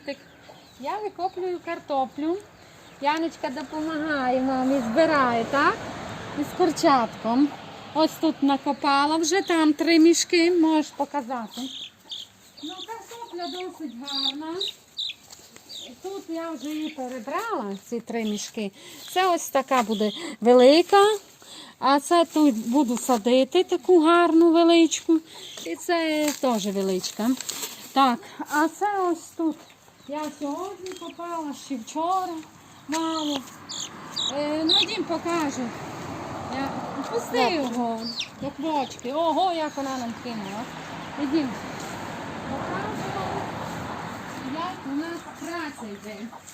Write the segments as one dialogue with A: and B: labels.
A: Ребятик, я викоплюю картоплю. Яночка допомагає мамі, збирає, так? Із курчатком. Ось тут накопала вже, там 3 мішки, можеш показати. Ну, картопля досить гарна. Тут я вже її перебрала, ці 3 мішки. Це ось така буде велика. А це тут буду садити таку гарну величку. І це теж величка. Так, а це ось тут. Я сьогодні копала, ще вчора мало. Ну, Дім покаже. Пусти його до квочки. Ого, як вона нам кинула. Ідім. Покажемо, як у нас праця йде.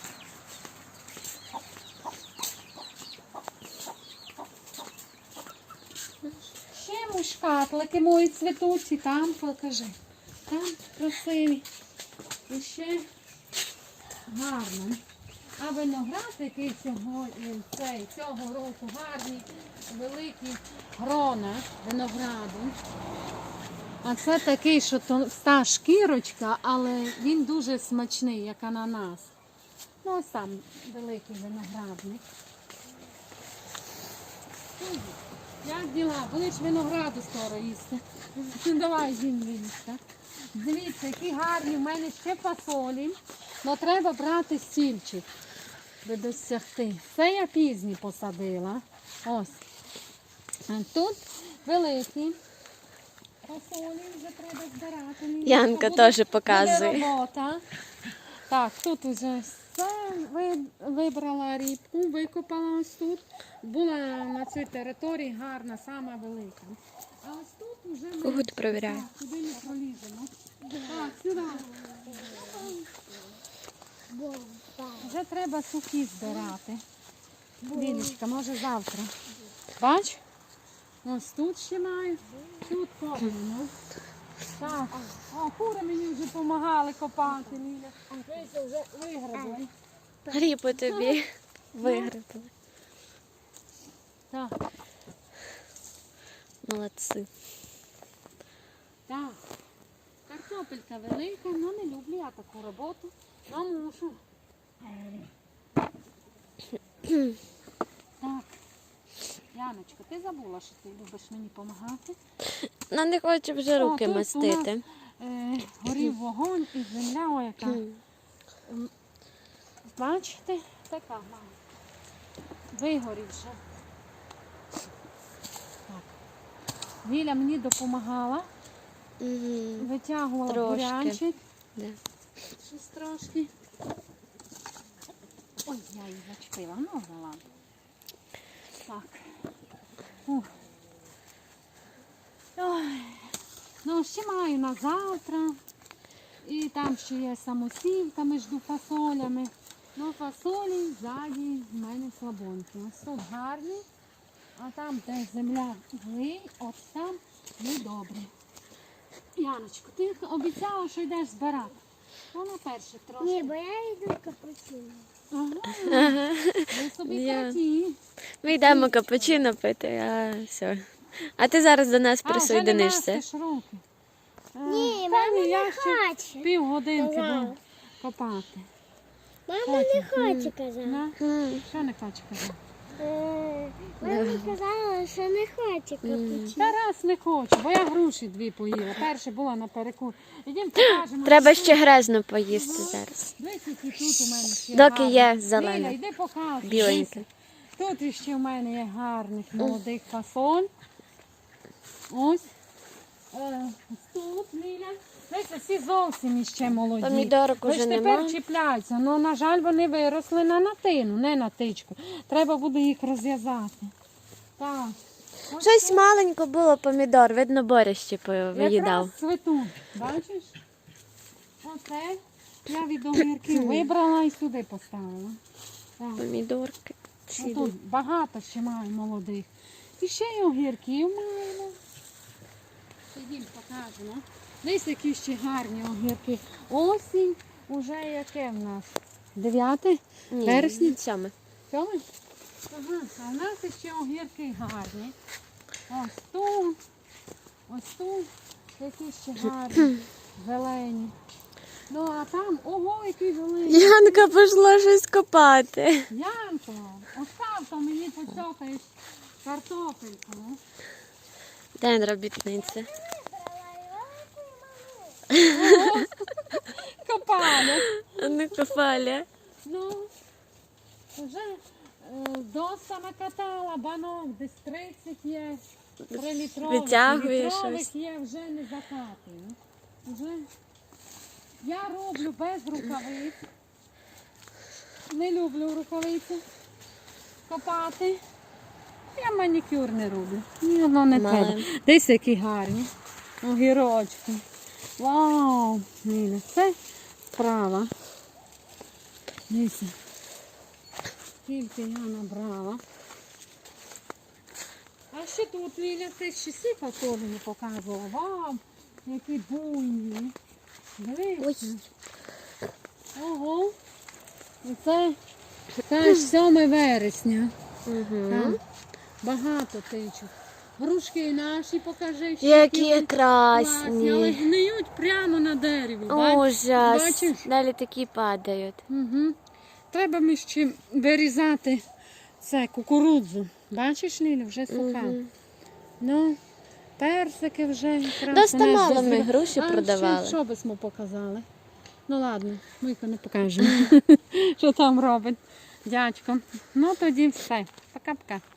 A: Ще мушкатлики мої цвітуть, і там покажи. Там красиві. І ще гарно. А виноград, який цього року гарні, великі грона винограду. А це такий, що товста шкірочка, але він дуже смачний, як ананас. Ну ось там великий виноградник. Як діла? Будеш винограду скоро їсти. Давай зімлінська. Дивіться, які гарні в мене ще фасолі. Але треба брати стільчик, аби досягти. Це я пізні посадила. Ось. А тут великі фасолі вже треба збирати.
B: Янка теж показує.
A: Буде робота. Так, тут вже все вибрала рібку, викопала ось тут. Була на цій території гарна, сама велика. А ось тут вже ми...
B: Кого ти перевіряє?
A: Туди не проліземо. Так, сюди. Вже треба сухі збирати. Лілечка, може завтра. Бач? Ось тут ще маю. Тут копаємо. Так. О, кури мені вже допомагали копати, Ліля. Дивіться, вже виграбли.
B: Гріпи тобі вигребли.
A: Так.
B: Молодці.
A: Так. Картопелька велика, але не люблю я таку роботу. Но мушу. Так. Яночка, ти забула, що ти любиш мені допомагати?
B: Вона не хоче вже руки
A: тут
B: мастити.
A: У нас, горів вогонь і земля, о, яка. Бачите? Така мама. Вигорівша. Так. Віля мені допомагала. Витягувала
B: Трошки.
A: бурянчик.
B: Да.
A: Щось трошки. Ой, я її зачепила. Ну, ладно. Так. Ух. Ой. Ну, ще маю на завтра. І там ще є самосівка між фасолями. Ну, фасолі ззаді в мене слабонькі. Ось тут гарні. А там, де земля глий, от там недобре. Яночко, ти обіцяла, що йдеш збирати. Ну, на перших трошки.
C: Ні, бо я йду капучино.
A: Ага. Ви собі круті.
B: Ми йдемо капучино пити, а все. А ти зараз до нас присоєдинишся.
A: А, вже не руки.
C: Ні,
A: Та
C: мама
A: ні, я
C: не
A: ще
C: хоче.
A: півгодинки
C: Давай.
A: буду копати.
C: Мама не хоче казати.
A: На? Що не хоче казати?
C: Мама казала, що не хоче капучино.
A: Та раз не хочу, бо я груші 2 поїла. Перша була на перекур. Ідемо покажемо.
B: Треба ще грезно поїсти зараз.
A: Дивись, які тут у мене ще
B: Доки
A: гарні.
B: є
A: Ліля,
B: зелене,
A: йди показуй.
B: біленьке.
A: Дивись. Тут ще в мене є гарних молодих фасоль. Ось. Тут, Ліля. Дивіться, всі зовсім іще молоді.
B: Помідорок
A: Ви ж
B: уже
A: тепер
B: нема.
A: чіпляються. Ну, на жаль, вони виросли на натину, не на тичку. Треба буде їх розв'язати. Так. Ось
B: Щось маленько було помідор, видно, Боря виїдав.
A: якраз цвітуть. Бачиш? Оце я від огірків вибрала і сюди поставила. Так.
B: Помідорки.
A: Ну, тут багато ще маю молодих. І ще й огірків маємо. Ідім, покажемо. Десь які ще гарні огірки. Осінь уже яке в нас? 9 вересня?
B: 7.
A: Сьомий? Ага, а в нас ще огірки гарні. Ось тут, які ще гарні, зелені. Ну, а там, ого, який великий.
B: Янка пішла щось копати.
A: Янко, остав, то мені посьокаєш картопельку.
B: День робітниця.
A: Копали.
B: А ну копали.
A: Ну, вже доста накатала, банок, десь 30 є, 3-літрових.
B: Витягує
A: Літрових
B: щось.
A: є, вже не закатую. Вже я роблю без рукавиць. Не люблю рукавиці копати. Я манікюр не роблю. Ні, воно не
B: Має.
A: треба. Десь які гарні. Огірочки. Вау! Ніна, це справа. Дивіться. Скільки я набрала. А ще тут, Ліля, ти ще сіпа теж не показувала. Вау! Які буйні. Дивіться. Ого. Це ж 7 вересня.
B: Угу.
A: Там багато тичок. Грушки і наші покажи. ще
B: Які
A: вони класні, але
B: красні.
A: гниють прямо на дереві.
B: Ужас.
A: Бачиш?
B: Далі такі падають.
A: Угу. Треба ми ще вирізати це кукурудзу. Бачиш, Ліля, вже суха.
B: Мгм.
A: Ну, персики вже якраз
B: Доста
A: у нас
B: мало ми
A: дозрі-
B: груші
A: А,
B: продавали.
A: Що би ми показали? Ну ладно, ми не покажемо, що там робить дядько. Ну тоді все. Пока-пока.